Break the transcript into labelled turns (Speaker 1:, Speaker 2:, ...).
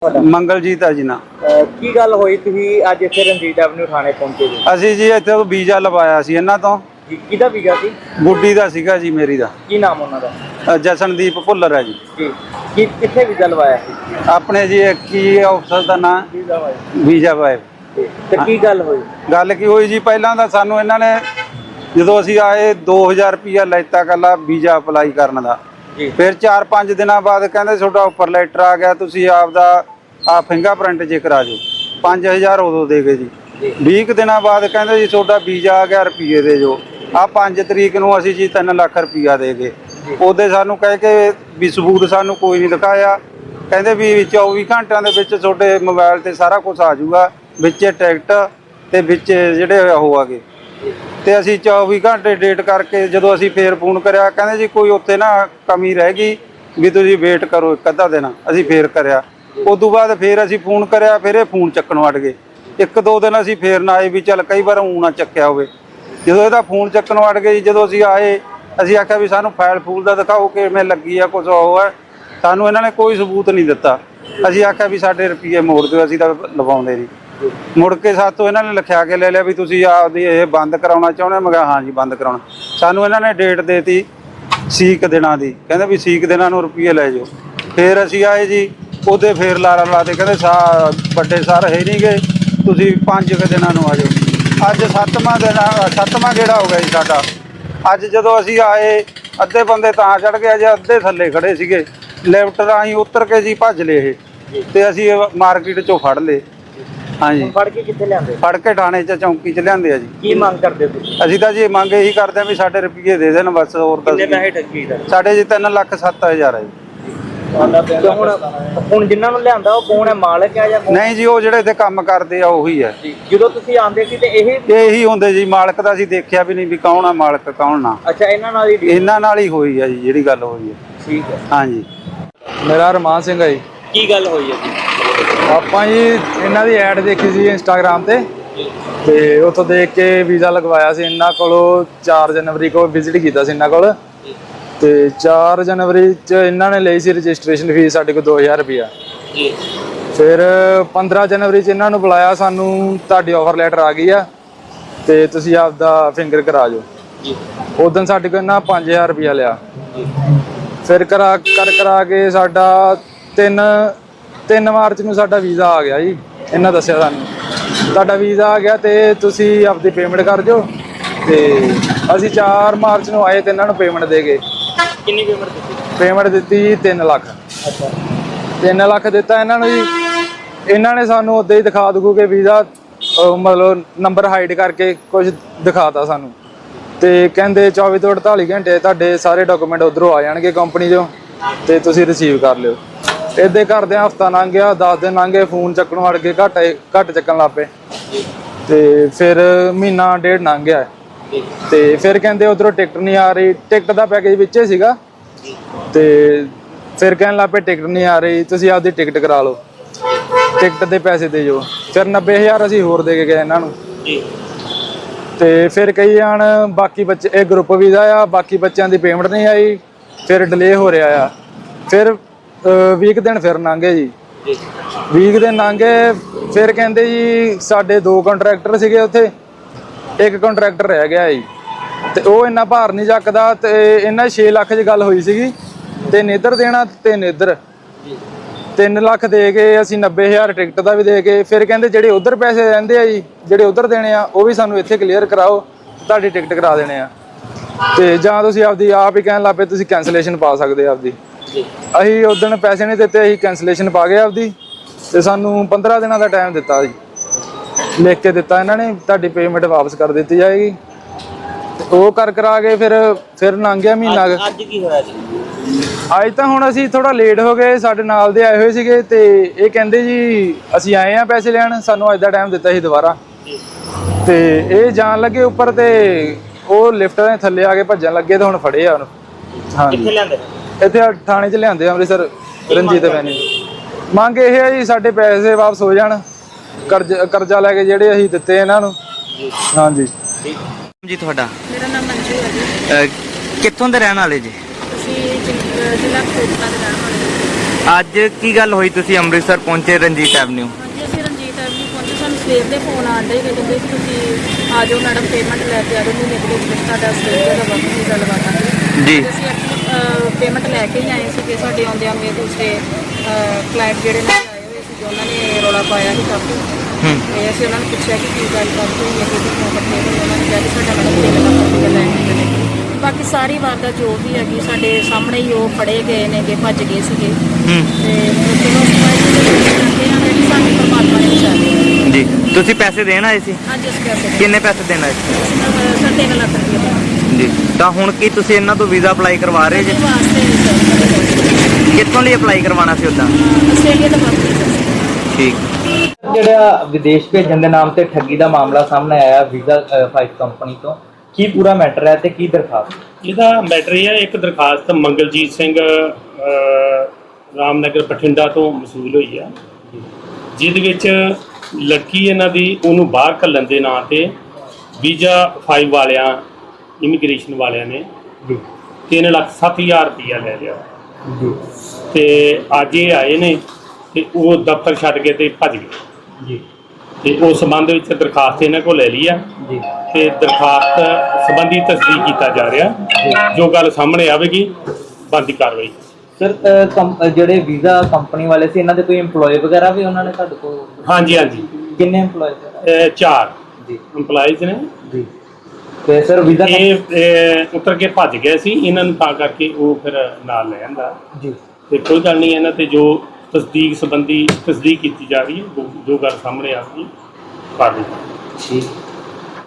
Speaker 1: ਮੰਗਲਜੀਤ ਹੈ ਜੀ ਨਾ।
Speaker 2: ਕੀ ਗੱਲ ਹੋਈ ਤੁਸੀਂ ਅੱਜ ਇੱਥੇ ਰਣਜੀਤ ਐਵਨਿਊ ਥਾਣੇ ਪਹੁੰਚੇ ਜੀ?
Speaker 1: ਅਸੀਂ ਜੀ ਇੱਥੇ ਵੀਜ਼ਾ ਲਵਾਇਆ ਸੀ ਇਹਨਾਂ ਤੋਂ।
Speaker 2: ਕਿਹਦਾ ਵੀਜ਼ਾ ਸੀ?
Speaker 1: ਗੁੱਡੀ ਦਾ ਸੀਗਾ ਜੀ, ਮੇਰੀ ਦਾ।
Speaker 2: ਕੀ ਨਾਮ ਉਹਨਾਂ ਦਾ?
Speaker 1: ਜਸਨਦੀਪ ਭੁੱਲਰ ਹੈ ਜੀ।
Speaker 2: ਜੀ ਕਿੱਥੇ ਵੀਜ਼ਾ ਲਵਾਇਆ ਸੀ?
Speaker 1: ਆਪਣੇ ਜੀ ਕੀ ਆਫਿਸਰ ਦਾ ਨਾਮ? ਵੀਜ਼ਾ ਬਾਏ।
Speaker 2: ਤੇ ਕੀ ਗੱਲ ਹੋਈ?
Speaker 1: ਗੱਲ ਕੀ ਹੋਈ ਜੀ, ਪਹਿਲਾਂ ਤਾਂ ਸਾਨੂੰ ਇਹਨਾਂ ਨੇ ਜਦੋਂ ਅਸੀਂ ਆਏ 2000 ਰੁਪਇਆ ਲੈਤਾ ਕੱਲਾ ਵੀਜ਼ਾ ਅਪਲਾਈ ਕਰਨ ਦਾ। ਫਿਰ 4-5 ਦਿਨਾਂ ਬਾਅਦ ਕਹਿੰਦੇ ਤੁਹਾਡਾ ਉੱਪਰ ਲੈਟਰ ਆ ਗਿਆ, ਤੁਸੀਂ ਆਪਦਾ ਫਿੰਗਰਪ੍ਰਿੰਟ ਜੇ ਕਰਾ ਜਾਓ। 5000 ਉਦੋਂ ਦੇ ਗਏ ਜੀ। 20 ਦਿਨਾਂ ਬਾਅਦ ਕਹਿੰਦੇ ਜੀ ਤੁਹਾਡਾ ਵੀਜ਼ਾ ਆ ਗਿਆ, ਰੁਪਈਏ ਦੇ ਜੋ। 5 ਤਰੀਕ ਨੂੰ ਅਸੀਂ ਜੀ 3 ਲੱਖ ਰੁਪਈਆ ਦੇ ਗਏ। ਉਹਦੇ ਸਾਨੂੰ ਕਹਿ ਕੇ ਵੀ ਸਬੂਤ ਸਾਨੂੰ ਕੋਈ ਨਹੀਂ ਦਿਖਾਇਆ। ਕਹਿੰਦੇ ਵੀ 24 ਘੰਟਿਆਂ ਦੇ ਵਿੱਚ ਤੁਹਾਡੇ ਮੋਬਾਈਲ ਤੇ ਸਾਰਾ ਕੁਝ ਆ ਜਾਊਗਾ, ਵਿੱਚ ਟਿਕਟ ਤੇ ਵਿੱਚ ਜਿਹੜੇ ਉਹ ਆ ਗਏ। ਤੇ ਅਸੀਂ 24 ਘੰਟੇ ਡੇਟ ਕਰਕੇ ਜਦੋਂ ਅਸੀਂ ਫੇਰ ਫੋਨ ਕਰਿਆ, ਕਹਿੰਦੇ ਜੀ ਕੋਈ ਉੱਥੇ ਨਾ ਕਮੀ ਰਹਿ ਗਈ ਵੀ ਤੁਸੀਂ ਵੇਟ ਕਰੋ 1 ਅੱਧਾ ਦਿਨ। ਅਸੀਂ ਫੇਰ ਕਰਿਆ, ਉਦੋਂ ਬਾਅਦ ਫੇਰ ਅਸੀਂ ਫੋਨ ਕਰਿਆ, ਫਿਰ ਇਹ ਫੋਨ ਚੱਕਣ ਵੜ ਗਏ। 1-2 ਦਿਨ ਅਸੀਂ ਫੇਰ ਨਾ ਆਏ ਵੀ ਚੱਲ ਕਈ ਵਾਰ ਊਂ ਨਾ ਚੱਕਿਆ ਹੋਵੇ। ਜਦੋਂ ਇਹਦਾ ਫੋਨ ਚੱਕਣ ਵੜ ਗਏ ਜੀ, ਜਦੋਂ ਅਸੀਂ ਆਏ ਅਸੀਂ ਆਖਿਆ ਵੀ ਸਾਨੂੰ ਫਾਈਲ ਫੂਲ ਦਾ ਦਿਖਾਓ ਕਿਵੇਂ ਲੱਗੀ ਆ, ਕੁਛ ਉਹ ਹੈ। ਸਾਨੂੰ ਇਹਨਾਂ ਨੇ ਕੋਈ ਸਬੂਤ ਨਹੀਂ ਦਿੱਤਾ। ਅਸੀਂ ਆਖਿਆ ਵੀ ਸਾਡੇ ਰੁਪਈਏ ਮੋੜ ਦਿਓ, ਅਸੀਂ ਤਾਂ ਲਵਾਉਂਦੇ ਨਹੀਂ। ਮੁੜ ਕੇ ਸਾਤੋਂ ਇਹਨਾਂ ਨੇ ਲਿਖਿਆ ਕੇ ਲੈ ਲਿਆ ਵੀ ਤੁਸੀਂ ਆਪਦੀ ਇਹ ਬੰਦ ਕਰਾਉਣਾ ਚਾਹੁੰਦੇ? ਮੈਂ ਕਿਹਾ ਹਾਂ ਜੀ ਬੰਦ ਕਰਾਉਣਾ। ਸਾਨੂੰ ਇਹਨਾਂ ਨੇ ਡੇਟ ਦੇਤੀ 60 ਦਿਨਾਂ ਦੀ, ਕਹਿੰਦੇ ਵੀ 60 ਦਿਨਾਂ ਨੂੰ ਰੁਪਈਏ ਲੈ ਜਾਓ। ਫਿਰ ਅਸੀਂ ਆਏ ਜੀ, ਉਹਦੇ ਫੇਰ ਲਾਰਾ ਲਾਤੇ, ਕਹਿੰਦੇ ਵੱਡੇ ਸਰ ਹੈ ਨਹੀਂ ਗਏ, ਤੁਸੀਂ 5 ਦਿਨਾਂ ਨੂੰ ਆ ਜਾਓ। ਅੱਜ 7ਵਾਂ ਗੇੜਾ ਹੋ ਗਿਆ ਜੀ ਸਾਡਾ। ਅੱਜ ਜਦੋਂ ਅਸੀਂ ਆਏ ਅੱਧੇ ਬੰਦੇ ਤਾਂ ਚੜ੍ਹ ਗਏ, ਜੇ ਅੱਧੇ ਥੱਲੇ ਖੜੇ ਸੀਗੇ। ਲਿਫਟ ਰਾਹੀਂ ਉਤਰ ਕੇ ਜੀ ਭੱਜ ਲਏ ਇਹ, ਤੇ ਅਸੀਂ ਮਾਰਕੀਟ 'ਚੋਂ ਫੜ ਲਏ। ਹਾਂਜੀ,
Speaker 2: ਫੜ ਕੇ ਕਿੱਥੇ ਲਿਆਂਦੇ? ਫੜ
Speaker 1: ਕੇ ਥਾਣੇ 'ਚ ਚੌਂਕੀ 'ਚ ਲਿਆਂਦੇ ਆ ਜੀ।
Speaker 2: ਕੀ ਮੰਗ ਕਰਦੇ ਤੁਸੀਂ?
Speaker 1: ਅਸੀਂ ਤਾਂ ਜੀ ਮੰਗ ਇਹੀ ਕਰਦੇ ਆ ਵੀ ਸਾਡੇ ਰੁਪਈਏ ਦੇ ਦੇਣ ਬਸ, ਹੋਰ ਤਾਂ
Speaker 2: ਕਿੰਨੇ ਪੈਸੇ ਠੱਗੀ ਦਾ?
Speaker 1: ਸਾਡੇ ਜੀ 3,07,000 ਹੈ ਜੀ।
Speaker 2: ਹੁਣ ਜਿਨ੍ਹਾਂ ਨੂੰ ਲਿਆਂਦਾ ਉਹ ਕੌਣ ਹੈ, ਮਾਲਕ ਹੈ ਜਾਂ?
Speaker 1: ਨਹੀਂ ਜੀ, ਉਹ ਜਿਹੜੇ ਇੱਥੇ ਕੰਮ ਕਰਦੇ ਆ ਉਹੀ ਹੈ।
Speaker 2: ਜਦੋਂ ਤੁਸੀਂ ਆਂਦੇ ਸੀ ਤੇ
Speaker 1: ਇਹੀ ਹੁੰਦੇ ਜੀ। ਮਾਲਕ ਦਾ ਅਸੀਂ ਦੇਖਿਆ ਵੀ ਨਹੀਂ ਵੀ ਕੌਣ ਆ ਮਾਲਕ ਕੌਣ ਨਾ।
Speaker 2: ਅੱਛਾ, ਇਹਨਾਂ
Speaker 1: ਨਾਲ ਹੀ ਹੋਈ ਆ ਜੀ ਜਿਹੜੀ ਗੱਲ ਹੋਈ ਹੈ।
Speaker 2: ਠੀਕ ਹੈ।
Speaker 1: ਹਾਂਜੀ,
Speaker 3: ਮੇਰਾ ਅਰਮਾਨ ਸਿੰਘ ਹੈ ਜੀ।
Speaker 2: ਕੀ ਗੱਲ ਹੋਈ ਹੈ ਜੀ?
Speaker 3: ਆਪਾਂ ਜੀ ਇਹਨਾਂ ਦੀ ਐਡ ਦੇਖੀ ਸੀ ਇੰਸਟਾਗ੍ਰਾਮ ਤੇ ਉੱਥੋਂ ਦੇਖ ਕੇ ਵੀਜ਼ਾ ਲਗਵਾਇਆ ਸੀ ਇਹਨਾਂ ਕੋਲੋਂ। 4 ਜਨਵਰੀ ਕੋ ਵਿਜ਼ਿਟ ਕੀਤਾ ਸੀ ਇਹਨਾਂ ਕੋਲ, ਤੇ 4 ਜਨਵਰੀ 'ਚ ਇਹਨਾਂ ਨੇ ਲਈ ਸੀ ਰਜਿਸਟ੍ਰੇਸ਼ਨ ਫੀਸ ਸਾਡੇ ਕੋਲ 2000 ਰੁਪਇਆ। ਫਿਰ 15 ਜਨਵਰੀ 'ਚ ਇਹਨਾਂ ਨੂੰ ਬੁਲਾਇਆ, ਸਾਨੂੰ ਤੁਹਾਡੀ ਆਫਰ ਲੈਟਰ ਆ ਗਈ ਆ ਤੇ ਤੁਸੀਂ ਆਪਦਾ ਫਿੰਗਰ ਕਰਾ ਜਾਓ। ਉਦੋਂ ਸਾਡੇ ਕੋਲ ਇਹਨਾਂ 5000 ਰੁਪਇਆ ਲਿਆ। ਫਿਰ ਕਰਾ ਕੇ ਸਾਡਾ 3 ਮਾਰਚ ਨੂੰ ਸਾਡਾ ਵੀਜ਼ਾ ਆ ਗਿਆ ਜੀ। ਇਹਨਾਂ ਦੱਸਿਆ ਸਾਨੂੰ ਤੁਹਾਡਾ ਵੀਜ਼ਾ ਆ ਗਿਆ ਤੇ ਤੁਸੀਂ ਆਪਦੀ ਪੇਮੈਂਟ ਕਰ ਦਿਓ। ਤੇ ਅਸੀਂ 4 ਮਾਰਚ ਨੂੰ ਆਏ ਤੇ ਇਹਨਾਂ ਨੂੰ ਪੇਮੈਂਟ ਦੇ ਗਏ।
Speaker 2: ਕਿੰਨੀ ਪੇਮੈਂਟ ਦਿੱਤੀ?
Speaker 3: ਪੇਮੈਂਟ ਦਿੱਤੀ ਜੀ 3 ਲੱਖ।
Speaker 2: ਅੱਛਾ,
Speaker 3: 3 ਲੱਖ ਦਿੱਤਾ ਇਹਨਾਂ ਨੂੰ ਜੀ। ਇਹਨਾਂ ਨੇ ਸਾਨੂੰ ਉੱਦਾਂ ਹੀ ਦਿਖਾ ਦੂ ਕਿ ਵੀਜ਼ਾ ਮਤਲਬ ਨੰਬਰ ਹਾਈਡ ਕਰਕੇ ਕੁਝ ਦਿਖਾਤਾ ਸਾਨੂੰ, ਤੇ ਕਹਿੰਦੇ 24 ਤੋਂ 48 ਘੰਟੇ ਤੁਹਾਡੇ ਸਾਰੇ ਡਾਕੂਮੈਂਟ ਉੱਧਰੋਂ ਆ ਜਾਣਗੇ ਕੰਪਨੀ 'ਚੋਂ ਤੇ ਤੁਸੀਂ ਰਿਸੀਵ ਕਰ ਲਿਓ। ਇੱਦਾਂ ਕਰਦਿਆਂ ਹਫ਼ਤਾ ਲੰਘ ਗਿਆ, 10 ਦਿਨ ਲੰਘ ਗਏ, ਫੋਨ ਚੱਕਣ ਵੜ ਕੇ ਘੱਟ ਚੱਕਣ ਲੱਗ ਪਏ। ਤੇ ਫਿਰ ਮਹੀਨਾ ਡੇਢ ਲੰਘ ਗਿਆ ਤੇ ਫਿਰ ਕਹਿੰਦੇ ਉੱਧਰੋਂ ਟਿਕਟ ਨਹੀਂ ਆ ਰਹੀ। ਟਿਕਟ ਦਾ ਪੈਕੇਜ ਵਿੱਚ ਹੀ ਸੀਗਾ ਤੇ ਫਿਰ ਕਹਿਣ ਲੱਗ ਪਏ ਟਿਕਟ ਨਹੀਂ ਆ ਰਹੀ, ਤੁਸੀਂ ਆਪਦੀ ਟਿਕਟ ਕਰਾ ਲਓ, ਟਿਕਟ ਦੇ ਪੈਸੇ ਦੇ ਜਾਓ। ਫਿਰ 90,000 ਅਸੀਂ ਹੋਰ ਦੇ ਕੇ ਗਏ ਇਹਨਾਂ ਨੂੰ। ਤੇ ਫਿਰ ਕਈ ਜਾਣ ਬਾਕੀ ਬੱਚੇ, ਇਹ ਗਰੁੱਪ ਵੀਜ਼ਾ ਆ, ਬਾਕੀ ਬੱਚਿਆਂ ਦੀ ਪੇਮੈਂਟ ਨਹੀਂ ਆਈ। ਫਿਰ ਡਿਲੇ ਹੋ ਰਿਹਾ ਆ। ਫਿਰ 20 ਦਿਨ ਫਿਰ ਲੰਘੇ ਜੀ। 20 ਦਿਨ ਲੰਘੇ। ਫਿਰ ਕਹਿੰਦੇ ਜੀ ਸਾਡੇ 2 ਕੰਟਰੈਕਟਰ ਸੀਗੇ ਉੱਥੇ, 1 ਕੰਟਰੈਕਟਰ ਰਹਿ ਗਿਆ ਜੀ ਤੇ ਉਹ ਇੰਨਾ ਭਾਰ ਨਹੀਂ ਚੱਕਦਾ। ਤੇ ਇਹਨਾਂ 6 ਲੱਖ 'ਚ ਗੱਲ ਹੋਈ ਸੀਗੀ ਤੇ ਨੇਦਰ ਦੇਣਾ ਤੇ ਨੇਦਰ 3 ਲੱਖ ਦੇ ਕੇ ਅਸੀਂ 90,000 ਟਿਕਟ ਦਾ ਵੀ ਦੇ ਕੇ। ਫਿਰ ਕਹਿੰਦੇ ਜਿਹੜੇ ਉਧਰ ਪੈਸੇ ਰਹਿੰਦੇ ਆ ਜੀ, ਜਿਹੜੇ ਉਧਰ ਦੇਣੇ ਆ ਉਹ ਵੀ ਸਾਨੂੰ ਇੱਥੇ ਕਲੀਅਰ ਕਰਾਓ, ਤੁਹਾਡੀ ਟਿਕਟ ਕਰਾ ਦੇਣੇ ਆ। ਤੇ ਜਾਂ ਤੁਸੀਂ ਆਪਦੀ ਆਪ ਹੀ ਕਹਿਣ ਲੱਗ ਪਏ ਤੁਸੀਂ ਕੈਂਸਲੇਸ਼ਨ ਪਾ ਸਕਦੇ ਆ ਆਪਦੀ। ਅਸੀਂ ਉਦੋਂ ਪੈਸੇ ਨਹੀਂ ਦਿੱਤੇ, ਅਸੀਂ ਕੈਂਸਲੇਸ਼ਨ ਪਾ ਗਏ ਆਪਦੀ। ਤੇ ਸਾਨੂੰ 15 ਦਿਨਾਂ ਦਾ ਟਾਈਮ ਦਿੱਤਾ ਜੀ, ਲਿਖ ਕੇ ਦਿੱਤਾ ਇਹਨਾਂ ਨੇ, ਤੁਹਾਡੀ ਪੇਮੈਂਟ ਵਾਪਸ ਕਰ ਦਿੱਤੀ ਜਾਏਗੀ। ਉਹ ਕਰਾ ਕੇ ਫਿਰ ਲੰਘ ਗਿਆ ਮਹੀਨਾ।
Speaker 2: ਅੱਜ ਕੀ ਹੋਇਆ ਜੀ?
Speaker 3: ਅੱਜ ਤਾਂ ਹੁਣ ਅਸੀਂ ਥੋੜਾ ਲੇਟ ਹੋ ਗਏ, ਸਾਡੇ ਨਾਲ ਦੇ ਆਏ ਹੋਏ ਸੀਗੇ ਤੇ ਇਹ ਕਹਿੰਦੇ ਜੀ ਅਸੀਂ ਆਏ ਆ ਪੈਸੇ ਲੈਣ, ਸਾਨੂੰ ਅੱਜ ਦਾ ਟਾਈਮ ਦਿੱਤਾ ਸੀ ਦੁਬਾਰਾ। ਤੇ ਇਹ ਜਾਣ ਲੱਗੇ ਉੱਪਰ ਤੇ ਉਹ ਲਿਫਟ ਦੇ ਥੱਲੇ ਆ ਕੇ ਭੱਜਣ ਲੱਗੇ ਤੇ ਹੁਣ ਫੜੇ ਆ ਉਹਨੂੰ। ਹਾਂਜੀ,
Speaker 2: ਕਿੱਥੇ ਲਿਆਂਦੇ?
Speaker 3: ਇੱਥੇ ਥਾਣੇ 'ਚ ਲਿਆਂਦੇ ਅੰਮ੍ਰਿਤਸਰ ਰਣਜੀਤ ਐਵਨਿਊ। ਮੰਗ ਇਹ ਹੈ ਜੀ ਸਾਡੇ ਪੈਸੇ ਵਾਪਸ ਹੋ ਜਾਣ, ਕਰਜ਼ਾ ਲੈ ਕੇ ਜਿਹੜੇ ਅਸੀਂ ਦਿੱਤੇ ਇਹਨਾਂ ਨੂੰ। ਹਾਂਜੀ
Speaker 4: ਜੀ, ਤੁਹਾਡਾ?
Speaker 5: ਮੇਰਾ ਨਾਮ ਮੰਜੂ ਹੈ ਜੀ।
Speaker 4: ਕਿੱਥੋਂ ਦੇ ਰਹਿਣ ਵਾਲੇ ਜੀ?
Speaker 5: ਅਸੀਂ ਜ਼ਿਲ੍ਹਾ ਕੋਟਲਾ ਦੇ ਰਹਿਣ ਵਾਲੇ ਹਾਂ।
Speaker 2: ਅੱਜ ਕੀ ਗੱਲ ਹੋਈ, ਤੁਸੀਂ ਅੰਮ੍ਰਿਤਸਰ ਪਹੁੰਚੇ ਰਣਜੀਤ ਐਵਨਿਊ?
Speaker 4: ਹਾਂਜੀ ਅਸੀਂ ਰਣਜੀਤ ਐਵਨਿਊ ਪਹੁੰਚੇ। ਸਾਨੂੰ ਸਵੇਰ ਦੇ ਫੋਨ ਆਉਂਦੇ ਕਿ ਕਹਿੰਦੇ ਕਿ ਤੁਸੀਂ ਆ ਜਾਓ ਮੈਡਮ, ਪੇਮੈਂਟ ਲੈ ਕੇ ਆ ਜਾਓ, ਮਹੀਨੇ ਦੇ ਵਿੱਚ ਤੁਹਾਡਾ ਆਸਟ੍ਰੇਲੀਆ ਦਾ ਵਰਕ ਵੀਜ਼ਾ ਲਗਾ ਦਾਂਗੇ
Speaker 2: ਜੀ।
Speaker 4: ਅਸੀਂ ਪੇਮੈਂਟ ਲੈ ਕੇ ਹੀ ਆਏ ਸੀਗੇ। ਸਾਡੇ ਆਉਂਦਿਆਂ ਮੇਰੇ ਦੂਸਰੇ ਕਲਾਇੰਟ ਜਿਹੜੇ ਨੇ ਆਏ ਹੋਏ ਸੀ, ਉਹਨਾਂ ਨੇ ਰੌਲਾ ਪਾਇਆ ਸੀ ਕਾਫੀ। ਤੇ ਅਸੀਂ ਉਹਨਾਂ ਨੂੰ ਪੁੱਛਿਆ ਕਿ ਕੀ ਗੱਲ ਬਾਤ ਹੋਈ ਹੈ, ਕਿ ਕਿਉਂ ਇਕੱਠੇ ਹੋਏ। ਉਹਨਾਂ ਨੇ ਕਿਹਾ ਕਿ ਸਾਡਾ ਮੈਡਮ 3 ਲੱਖ ਰੁਪਏ ਲੈ ਕੇ ਗਏ। ਬਾਕੀ ਸਾਰੀ ਵਾਰਦਾਤ ਜੋ ਵੀ ਹੈਗੀ ਸਾਡੇ ਸਾਹਮਣੇ ਹੀ ਉਹ ਫੜੇ ਗਏ ਨੇ, ਕਿ ਭੱਜ ਗਏ ਸੀਗੇ। ਤੇ ਚਲੋ ਅਸੀਂ ਚਾਹੁੰਦੇ ਹਾਂ ਕਿ ਸਾਨੂੰ ਪਰਮਾਤਮਾ ਨੇ ਬਚਾਇਆ।
Speaker 2: ਜੀ, ਤੁਸੀਂ ਪੈਸੇ ਦੇਣ ਆਏ ਸੀ?
Speaker 4: ਅੱਜ ਅਸੀਂ ਪੈਸੇ
Speaker 2: ਕਿੰਨੇ ਪੈਸੇ ਦੇਣ ਆਏ ਸੀ?
Speaker 4: ਸਰ 3 ਲੱਖ ਰੁਪਏ
Speaker 2: ਜੀ, ਤਾਂ ਹੁਣ ਕੀ ਤੁਸੀਂ ਇਹਨਾਂ ਤੋਂ ਵੀਜ਼ਾ ਅਪਲਾਈ ਕਰਵਾ ਰਹੇ ਜੀ?
Speaker 4: ਵਾਸਤੇ ਨਹੀਂ ਸਰ,
Speaker 2: ਕਿੱਥੋਂ ਲਈ ਅਪਲਾਈ ਕਰਵਾਉਣਾ ਸੀ ਉੱਦਾਂ?
Speaker 4: ਆਸਟ੍ਰੇਲੀਆ ਦਾ ਵਰਕ ਵੀਜ਼ਾ।
Speaker 2: ਠੀਕ। ਜਿਹੜਾ ਵਿਦੇਸ਼ ਭੇਜਣ ਦੇ ਨਾਮ ਤੇ ਠੱਗੀ ਦਾ ਮਾਮਲਾ ਸਾਹਮਣੇ ਆਇਆ ਵੀਜ਼ਾ 5 ਕੰਪਨੀ ਤੋਂ, ਕੀ ਪੂਰਾ ਮੈਟਰ ਹੈ ਤੇ ਕੀ ਦਰਖਾਸਤ?
Speaker 5: ਇਹਦਾ ਮੈਟਰ ਇਹ ਹੈ, ਇੱਕ ਦਰਖਾਸਤ ਮੰਗਲਜੀਤ ਸਿੰਘ ਰਾਮਨਗਰ ਬਠਿੰਡਾ ਤੋਂ ਮਸੂਲ ਹੋਈ ਆ, ਜਿਹਦੇ ਵਿੱਚ ਲੜਕੀ ਇਹਨਾਂ ਦੀ ਉਹਨੂੰ ਬਾਹਰ ਘੱਲਣ ਦੇ ਨਾਂ ਤੇ ਵੀਜ਼ਾ 5 ਵਾਲਿਆਂ ਇਮੀਗ੍ਰੇਸ਼ਨ ਵਾਲਿਆਂ ਨੇ 3,07,000 ਰੁਪਇਆ ਲੈ ਲਿਆ
Speaker 2: ਜੀ
Speaker 5: ਤੇ ਅੱਜ ਇਹ ਆਏ ਨੇ ਤੇ ਉਹ ਦਫ਼ਤਰ ਛੱਡ ਕੇ ਤੇ ਭੱਜ ਗਏ
Speaker 2: ਜੀ
Speaker 5: ਤੇ ਉਸ ਸੰਬੰਧ ਵਿੱਚ ਦਰਖਾਸਤ ਇਹਨਾਂ ਕੋਲ ਲੈ ਲਈ ਆ
Speaker 2: ਜੀ
Speaker 5: ਤੇ ਦਰਖਾਸਤ ਸੰਬੰਧੀ ਤਸਦੀਕ ਕੀਤਾ ਜਾ ਰਿਹਾ। ਜੋ ਗੱਲ ਸਾਹਮਣੇ ਆਵੇਗੀ ਬਣਦੀ ਕਾਰਵਾਈ।
Speaker 2: ਸਰ, ਜਿਹੜੇ ਵੀਜ਼ਾ ਕੰਪਨੀ ਵਾਲੇ ਸੀ ਇਹਨਾਂ ਦੇ ਕੋਈ EMPLOYE ਵਗੈਰਾ ਵੀ ਉਹਨਾਂ ਨੇ ਤੁਹਾਡੇ ਕੋਲ?
Speaker 5: ਹਾਂਜੀ ਹਾਂਜੀ,
Speaker 2: ਕਿੰਨੇ EMPLOYE ਸਰ?
Speaker 5: 4
Speaker 2: ਜੀ
Speaker 5: EMPLOYEES ਨੇ।
Speaker 2: ਜੀ। ਤੇ ਸਰ ਵੀਜ਼ਾ
Speaker 5: ਇਹ ਉਤਰ ਕੇ ਭੱਜ ਗਏ ਸੀ, ਇਹਨਾਂ ਨੂੰ ਤਾਂ ਕਰਕੇ ਉਹ ਫਿਰ ਨਾਲ ਲੈ ਆਂਦਾ।
Speaker 2: ਜੀ।
Speaker 5: ਤੇ ਕੋਈ ਗੱਲ ਨਹੀਂ, ਇਹਨਾਂ ਤੇ ਜੋ ਤਸਦੀਕ ਸੰਬੰਧੀ ਤਸਦੀਕ ਕੀਤੀ ਜਾ ਰਹੀ ਹੈ, ਜੋ ਗੱਲ ਸਾਹਮਣੇ ਆ ਗਈ ਕਾਰਵਾਈ।
Speaker 2: ਠੀਕ।